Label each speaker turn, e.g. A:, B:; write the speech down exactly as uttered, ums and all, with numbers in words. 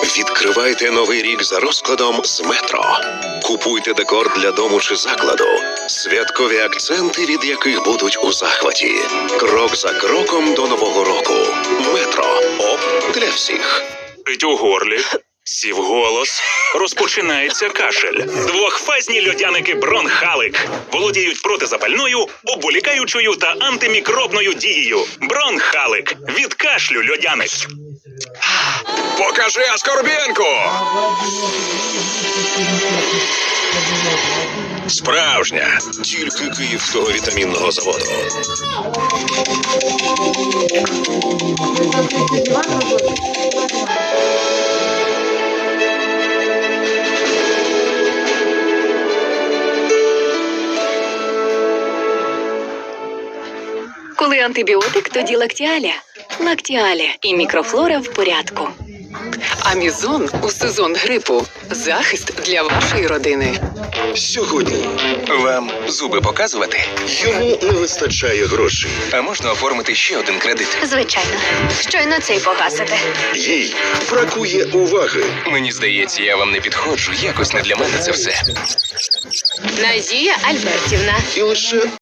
A: Відкривайте новий рік за розкладом з Метро. Купуйте декор для дому чи закладу. Святкові акценти, від яких будуть у захваті. Крок за кроком до Нового року. Метро. Оп для всіх.
B: Пить у горлі, сів голос, розпочинається кашель. Двохфазні льодяники Бронхалик володіють протизапальною, обволікаючою та антимікробною дією. Бронхалик. Від кашлю льодяник.
C: Покажи Аскорбінку! Справжня.
A: Тільки Київського вітамінного заводу.
D: Коли антибіотик, тоді лактіаля. Лактіаля і мікрофлора в порядку.
E: Амізон у сезон грипу. Захист для вашої родини.
A: Сьогодні
F: Вам зуби показувати?
A: йому не вистачає грошей.
F: А можна оформити ще один кредит?
D: Звичайно. Щойно цей погасите.
A: Їй бракує уваги.
F: Мені здається, я вам не підходжу. Якось не для мене це все.
D: Назія Альбертівна.
A: І лише